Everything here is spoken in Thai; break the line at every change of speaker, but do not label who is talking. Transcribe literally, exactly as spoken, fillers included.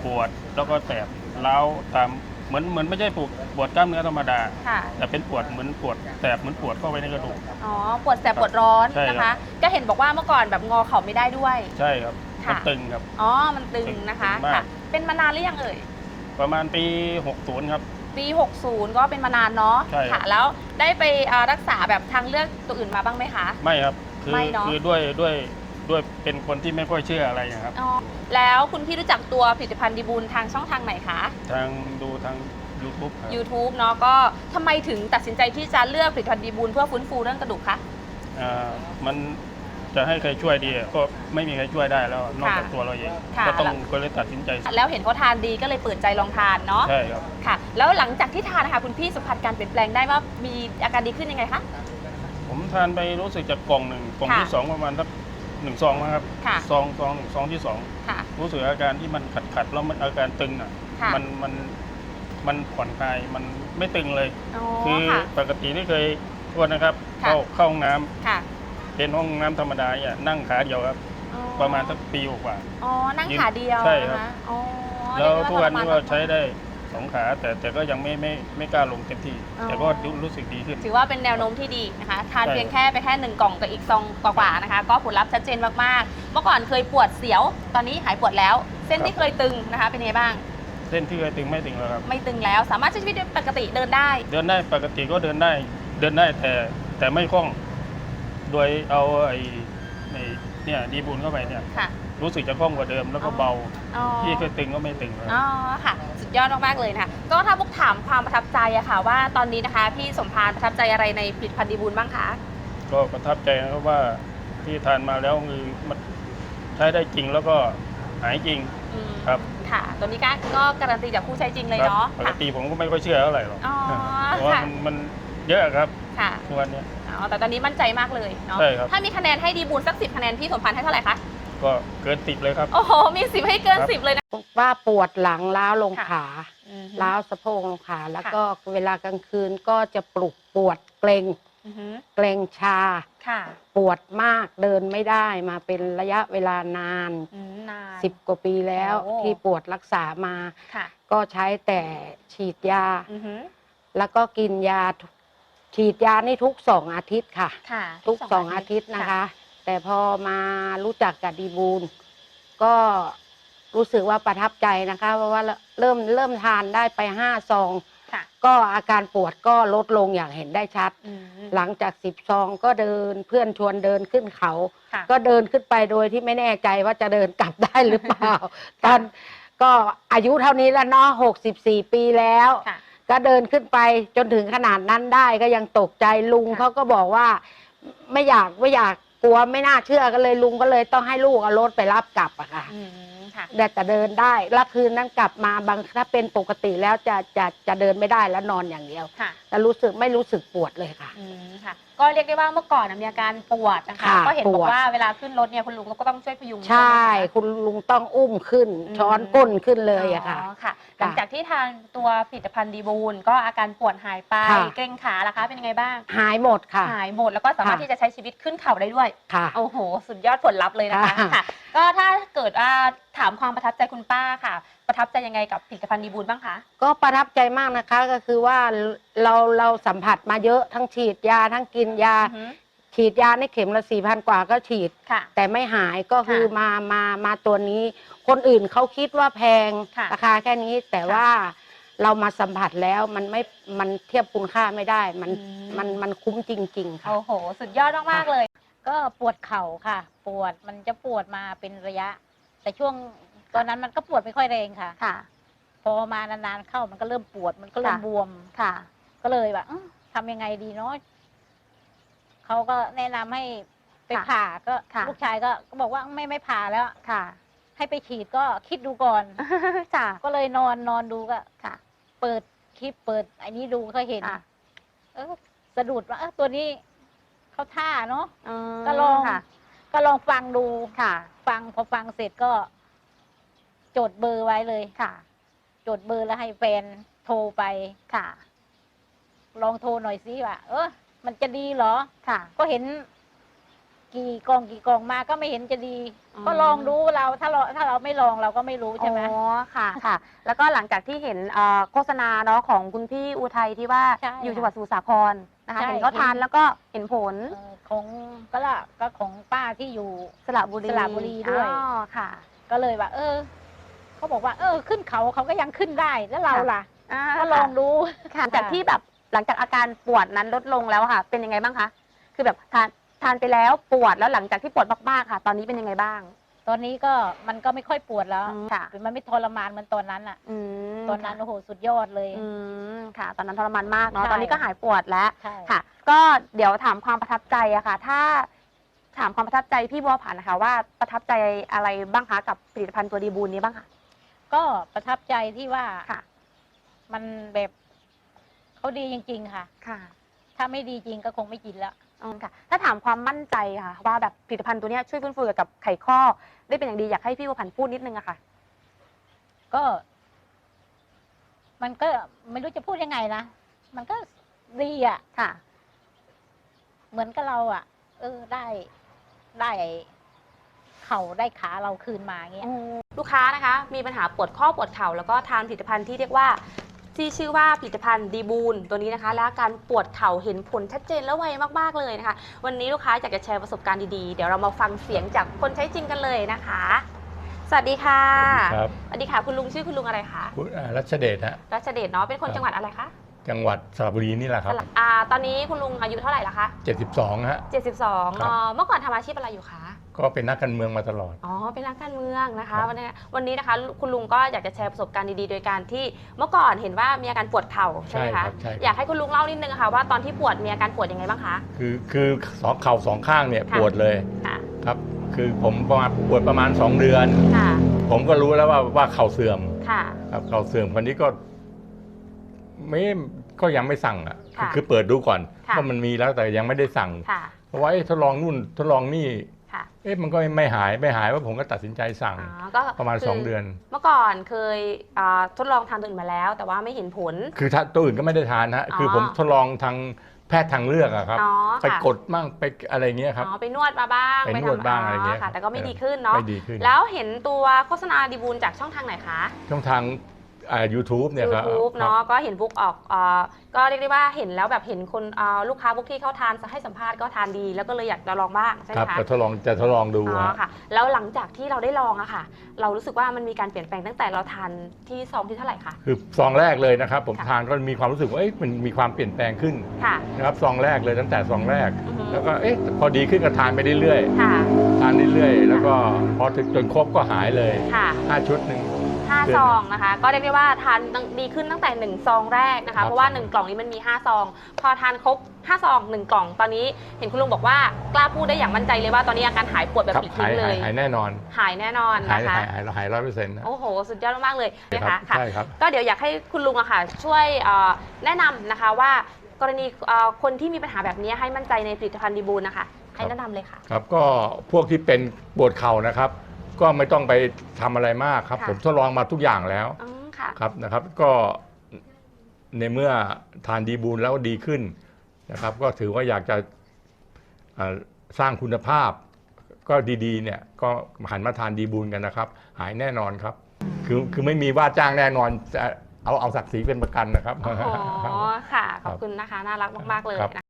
ปวดแล้วก็แสบร้าวตามเหมือนเหมือนไม่ใช่ปวดปวดกล้ามเนื้อธรรมดาแต่เป็นปวดเหมือนปวดแสบเหมือนปวดเข้าไปในกระดูก
อ๋อปวดแสบปวดร้อนนะคะก็เห็นบอกว่าเมื่อก่อนแบบงอเข่าไม่ได้ด้วย
ใช่ครับมันตึงครับ
อ๋อมันตึงนะคะค่ะเป็นมานานหรือยังเอ่ย
ประมาณปีหกสิบครับ
ปีหกสิบก็เป็นมานานเนาะค่ะแล้วได้ไปรักษาแบบทางเลือกตัวอื่นมาบ้างไหมคะ
ไม่ครับคือคือด้วยด้วยด้วยเป็นคนที่ไม่ค่อยเชื่ออะไรนะครับ
อ๋อแล้วคุณพี่รู้จักตัวผลิตภัณฑ์ดีบูลทางช่องทางไหนคะ
ทางดูทาง ยูทูบ
ยูทูบ เนาะก็ทำไมถึงตัดสินใจที่จะเลือกผลิตภัณฑ์ดีบูลเพื่อฟื้นฟูเรื่องกระดูกคะ
อ่ามันจะให้ใครช่วยดีก็ไม่มีใครช่วยได้แล้วนอกจากตัวเราเองก็ต้องก็เลยตัดสินใจ
แล้วเห็นเขาทานดีก็เลยเปิดใจลองทานเนาะ
ใช่ครับ
ค่ะแล้วหลังจากที่ทานนะคะคุณพี่สัมผัสการเปลี่ยนแปลงได้ว่ามีอาการดีขึ้นยังไงคะ
ผมทานไปรู้สึกจากกล่องหนึ่งกล่องที่สองประมาณสักหนึ่งซองนะครับซองซองหนึ่งซองที่สองรู้สึกอาการที่มันขัดขัดแล้วมันอาการตึงอ่ะมันมันมันผ่อนคลายมันไม่ตึงเลยคือปกติที่เคยทวนนะครับเข้าเข้าห้องน้ำเป็นห้องน้ำธรรมดาเนี่ยนั่งขาเดียวครับประมาณสักปีกว่า
อ๋อนั่งขาเดียว
ใช่ครับแล้วทุกวันนี้ก็ใช้ได้สองขาแต่แต่ก็ยังไม่ไม่ไม่กล้าลงเต็มที่แต่ก็รู้สึกดีขึ้น
ถือว่าเป็นแนวโน้มที่ดีนะคะทานเพียงแค่ไปแค่หนึ่งกล่องกับอีกซองกว่าๆนะคะก็ผลลัพธ์ชัดเจนมากๆเมื่อก่อนเคยปวดเสียวตอนนี้หายปวดแล้วเส้นที่เคยตึงนะคะเป็นไงบ้าง
เส้นที่เคยตึงไม่ตึงแล้วครับ
ไม่ตึงแล้วสามารถใช้ชีวิตปกติเดินได้
เดินได้ปกติก็เดินได้เดินได้แต่แต่ไม่คล่องโดยเอาไอ้เนี่ยดีบูลเข้าไปเนี่ยรู้สึกจะคล่องกว่าเดิมแล้วก็เบาที่เคยตึงก็ไม่ตึงแล้ว
อ๋อค่ะสุดยอดมากๆเลยนะคะก็ถ้าพวกถามความประทับใจอะค่ะว่าตอนนี้นะคะพี่สมพานประทับใจอะไรในผลิตภัณฑ์ดีบูลบ้างคะ
ก็ประทับใจนะครับว่าที่ทานมาแล้วคือมันใช้ได้จริงแล้วก็หายจริงครับ
ค่ะตัวนี้ก็การันตีจากผู้ใช้จริงเลยเนาะ
ปกติผมก็ไม่ค่อยเชื่อเท่าไหร่หรอกเพราะว่ามันเยอะครับทุกวันนี้
อ๋อแต่ตอนนี้มั่นใจมากเลยเนาะถ้ามีคะแนนให้ดีบูลสักสิบคะแนนพี่สมพานให้เท่าไหร่คะ
ก็เกินสิบเลยครับ
โอ้โหมีสิบให้เกินสิบเลยนะ
ว่าปวดหลังล้าวลงขาล้าวสะโพกลงขาแล้วก็เวลากลางคืนก็จะปลุกปวดเกร็งเกร็งชาปวดมากเดินไม่ได้มาเป็นระยะเวลานานสิบกว่าปีแล้วที่ปวดรักษามาก็ใช้แต่ฉีดยาแล้วก็กินยาฉีดยานี่ทุกสองอาทิตย์ค่ะทุกสองอาทิตย์นะคะแต่พอมารู้จักกับดีบูลก็รู้สึกว่าประทับใจนะคะเพราะว่าเริ่มเริ่มทานได้ไปห้าซองก็อาการปวดก็ลดลงอย่างเห็นได้ชัดหลังจากสิบซองก็เดินเพื่อนชวนเดินขึ้นเขาก็เดินขึ้นไปโดยที่ไม่แน่ใจว่าจะเดินกลับได้หรือเปล่าตอนก็อายุเท่านี้แล้วเนาะหกสิบสี่ปีแล้วก็เดินขึ้นไปจนถึงขนาดนั้นได้ก็ยังตกใจลุงเขาก็บอกว่าไม่อยากไม่อยากกลัวไม่น่าเชื่อกันเลยลุงก็เลยต้องให้ลูกเอารถไปรับกลับอะค่ะแต่จะเดินได้แล้วคืนนั้นกลับมาบางถ้าเป็นปกติแล้วจะจะจะเดินไม่ได้แล้วนอนอย่างเดียวแต่รู้สึกไม่รู้สึกปวดเลยค่ะ
ก็เรียกได้ว่าเมื่อก่อนมีอาการปวดนะคะก็เห็นบอกว่าเวลาขึ้นรถเนี่ยคุณลุงก็ต้องช่วยพยุง
ใช่คุณลุงต้องอุ้มขึ้นช้อนก้นขึ้นเลยอะค่ะ
หลังจากที่ทานตัวผลิตภัณฑ์ดีบูลก็อาการปวดหายไปเกร็งขาล่ะคะเป็นยังไงบ้าง
หายหมดค่ะ
หายหมดแล้วก็สามารถที่จะใช้ชีวิตขึ้นเขาได้ด้วย
ค่ะ
โอ้โหสุดยอดผลลัพธ์เลยนะคะค่ะก็ถ้าเกิดว่าถามความประทับใจคุณป้าค่ะประทับใจยังไงกับผลิตภัณฑ์ดีบูลบ้างคะ
ก็ประทับใจมากนะคะก็คือว่าเราเราสัมผัสมาเยอะทั้งฉีดยาทั้งกินยาฉีดยาในเข็มละสี่พันกว่าก็ฉีดแต่ไม่หายก็คือมามามาตัวนี้คนอื่นเขาคิดว่าแพงราคาแค่นี้แต่ว่าเรามาสัมผัสแล้วมันไม่มันเทียบคุณค่าไม่ได้มันมันมันคุ้มจริงๆค่ะ
โอ้โหสุดยอดมากๆเลย
ก็ปวดเข่าค่ะปวดมันจะปวดมาเป็นระยะแต่ช่วงตอนนั้นมันก็ปวดไม่ค่อยแรงค่ะ
ค่ะ
พอมานานๆเข้ามันก็เริ่มปวดมันก็เริ่มบวม
ค่ะ
ก็เลยแบบทำยังไงดีเนาะเขาก็แนะนำให้ไปผ่าก็ลูกชายก็ก็บอกว่าไม่ไม่ผ่าแล้ว
ค่ะ
ให้ไปฉีดก็คิดดูก่อน
ค่ะ
ก็เลยนอนนอนดูก็ค่ะเปิดคลิปเปิดไอ้นี้ดูก็เห็นเออสะดุดว่าเออตัวนี้เขาท่าเนาะก็ลองก็ลองฟังดู
ค่ะ
ฟังพอฟังเสร็จก็จดเบอร์ไว้เลย
ค่ะ
จดเบอร์แล้วให้แฟนโทรไป
ค่ะ
ลองโทรหน่อยสิว่าเออมันจะดีเหรอ
ค่ะ
ก็เห็นกี่กองกี่กองมาก็ไม่เห็นจะดี
อ๋อ
ก็ลองดูเราถ้าเราถ้าเราไม่ลองเราก็ไม่รู้ใช่ไหม
อ๋อค่ะค่ะ แล้วก็หลังจากที่เห็นเอ่อโฆษณาเนาะของคุณพี่อุทัยที่ว่า
ใช่
อยู่จังหวัดสมุทรสาครนะคะ
ใช่
เห็นเขาทานแล้วก็เห็นผล
เอ่อของก็ละก็ของป้าที่อยู่
สระบุรี
สระบุรีด้วย
อ๋อค่ะ
ก็เลยว่า เออเขาบอกว่า เออ ขึ้นเขาเขาก็ยังขึ้นได้แล้วเราล่ะ
อ่า
ก็ลองดู
ค่ะหลังจากที่แบบหลังจากอาการปวดนั้นลดลงแล้วอะค่ะ เป็นยังไงบ้างคะ คือแบบทานทานไปแล้วปวดแล้วหลังจากที่ปวดมากๆค่ะ ตอนนี้เป็นยังไงบ้าง
ตอนนี้ก็มันก็ไม่ค่อยปวดแล้ว
อืมค่ะ
มันไม่ทรมานเหมือนตอนนั้นอ่ะ
อืม
ตอนนั้นโอ้โหสุดยอดเลย
อืมค่ะ ตอนนั้นทรมานมากเนาะ
ใช่
ตอนนี้ก็หายปวดแล้ว
ใช่
ค่ะ ก็เดี๋ยวถามความประทับใจอะค่ะ ถ้าถามความประทับใจพี่บัวผันนะคะว่าประทับใจอะไรบ้างคะกับผลิตภัณฑ์ตัวดีบูนนี้บ้างคะ
ก็ประทับใจที่ว่า
ค่ะ
มันแบบเขาดีจริง ๆ ค่ะ
ค่ะ
ถ้าไม่ดีจริงก็คงไม่กินแล้ว
อืมค่ะ ถ้าถามความมั่นใจค่ะ ว่าแบบผลิตภัณฑ์ตัวเนี้ยช่วยฟื้นฟูเกี่ยวกับไขข้อได้เป็นอย่างดีอยากให้พี่บัวผันพูดนิดนึงอะค่ะ
ก็ มันก็ไม่รู้จะพูดยังไงนะ มันก็ดีอ่ะ
ค่ะ
เหมือนกับเราอ่ะ เออได้ได้เข่าได้ขาเราคืนมาเงี้ย
ลูกค้านะคะมีปัญหาปวดข้อปวดเข่าแล้วก็ทานผลิตภัณฑ์ที่เรียกว่าที่ชื่อว่าผลิตภัณฑ์ดีบูนตัวนี้นะคะ และอาการปวดเข่าเห็นผลชัดเจนและไวมากๆเลยนะคะ วันนี้ลูกค้าอยากจะแชร์ประสบการณ์ดีๆเดี๋ยวเรามาฟังเสียงจากคนใช้จริงกันเลยนะคะ สวัสดีค่ะ
ครับ
สวัสดีค่ะคุณลุงชื่อคุณลุงอะไรคะ
คุณอ่ารัชเดชฮะ
รัชเดชเนาะเป็นคน
ครับ
จังหวัดอะไรคะ
จังหวัดสระบุรีนี่แหละครับ
อ่าตอนนี้คุณลุงอายุเท่าไหร่ละคะ
เจ็ดสิบสองฮะ
เจ็ดสิบสอง
ครับ
เนาะเมื่อก่อนทำอาชีพอะไรอยู่คะ
ก็เป็นนักการเมืองมาตลอด
อ๋อ เป็นนักการเมืองนะคะ
ครับ
วันนี้วันนี้นะคะ คุณลุงก็อยากจะแชร์ประสบการณ์ดีๆ โดยการที่เมื่อก่อนเห็นว่ามีอาการปวดเข่าใช่ไหมคะ
ใช่ครับ
อยากให้คุณลุงเล่านิดนึงค่ะว่าตอนที่ปวดมีอาการปวดยังไงบ้างคะ
คือคือสองเข่าสองข้างเนี่ย
ค่ะ
ปวดเลย
ค่ะ
ครับ คือผมประมาณปวดประมาณสองเดือน
ค่ะ
ผมก็รู้แล้วว่าว่าเข่าเสื่อม
ค่ะ
ครับเข่าเสื่อมคนนี้ก็ไม่ก็ยังไม่สั่งอ่ะ
ค่ะ
คือเปิดดูก่อน
ค่ะ
ว่ามันมีแล้วแต่ยังไม่ได้สั่ง
ค่ะ
เพราะว่าเอ๊ะทดลองนู่นทดลองนี่
ค่ะ
เอ๊ะมันก็ไม่หายไม่หายว่าผมก็ตัดสินใจสั่ง
อ๋อก็
ประมาณ
คื
สองเดือน
เมื่อก่อนเคยอ่าทดลองทานตัวอื่นมาแล้ว แต่ว่าไม่เห็นผล
คือถ้าตัวอื่นก็ไม่ได้ทานฮะ
อ๋อ
คือผมทดลองทางแพทย์ทางเลือกอะครับ
อ๋อ
ไป
ค่ะ
กดมั่งไปอะไรเงี้ยครับ
อ๋อไปนวดมาบ้าง
ไปนวด
ทำ
บ้างอะไรเงี้ย
ค่ะ แต่ก็ไม่
เออ
ดีขึ้นเนาะ
ไม่ดีขึ้น
แล้วเห็นตัวโฆษณาดีบูลจากช่องทางไหนคะ
ช่องทางอ่า ยูทูบเนี่ยครับ
YouTube
ครั
เนาะ
บ
ก็เห็นบุ๊กออกเอ่อก็เรียกได้ว่าเห็นแล้วแบบเห็นคนเอ่อลูกค้าบุ๊กที่เขาทานให้สัมภาษณ์ก็ทานดี แล้วก็เลยอยากจะลองบ้างใช่ไห
ค
ม
รับ
คะ
จะทดลองจะทดลองดู
อ๋อ
ฮะ
ค่ะ แล้วหลังจากที่เราได้ลองอะค่ะ เรารู้สึกว่ามันมีการเปลี่ยนแปลงตั้งแต่เราทานที่ซองที่เท่าไหร่คะ
คือซองแรกเลยนะครับ ผม
ค่ะ
ทานก็มีความรู้สึกว่าเอ๊ะมันมีความเปลี่ยนแปลงขึ้น
ค่ะ
นะครับซองแรกเลยตั้งแต่ซองแรก
อือฮึ
แล้วก็เอ๊ะพอดีขึ้นก็ทานไปเรื่อย
ค่ะ
ๆทานเรื่อยๆแล้วก็พอถึงจนครบก็หายเลย
ค่ะ
ห้าชุดหนึ่ง
ห้า
เดือน
ซองนะคะ ก็เรียกได้ว่าทานดีขึ้นตั้งแต่หนึ่งซองแรกนะ
ครั
คะ
บ
เพราะว่าหนึ่งกล่องนี้มันมีห้าซอง พอทานครบห้าซองหนึ่งกล่อง ตอนนี้เห็นคุณลุงบอกว่ากล้าพูดได้อย่างมั่นใจเลยว่าตอนนี้อาการหายปวดแบบ
ครับ
ปลิด
หา
ทิ้
ย
งเล
หาย
ย
หายแน่นอน
หายแน่นอน
หาย
นะคะ
หายหายหายร้อยเปอร์เซ็นต์นะ
โอ้โห สุดยอดมากๆเลยนะ
ครั
คะ
บ
ค่ะ
ใช่ครับ
ก็เดี๋ยวอยากให้คุณลุงอะค่ะ ช่วยเอ่อแนะนำนะคะว่ากรณีเอ่อคนที่มีปัญหาแบบนี้ให้มั่นใจในผลิตภัณฑ์ดีบูลนะคะ ให้แนะนำเลยค่ะ
ครับก็พวกที่เป็นปวดเข่านะครับ ก็ไม่ต้องไปทำอะไรมากครับ
ค่ะ
ผมทดลองมาทุกอย่างแล้ว
อืมค่ะ
ครับนะครับ ก็ในเมื่อทานดีบูลแล้วดีขึ้นนะครับ ก็ถือว่าอยากจะเอ่อสร้างคุณภาพ ก็ดีๆเนี่ยก็หันมาทานดีบูลกันนะครับ หายแน่นอนครับ คือคือไม่มีว่าจ้างแน่นอนจะเอาเอาศักดิ์ศรีเป็นประกันนะครับ
โอ้โหค่ะ ขอบคุณนะคะ น่ารักมากๆเลย
ครับ
นะคะ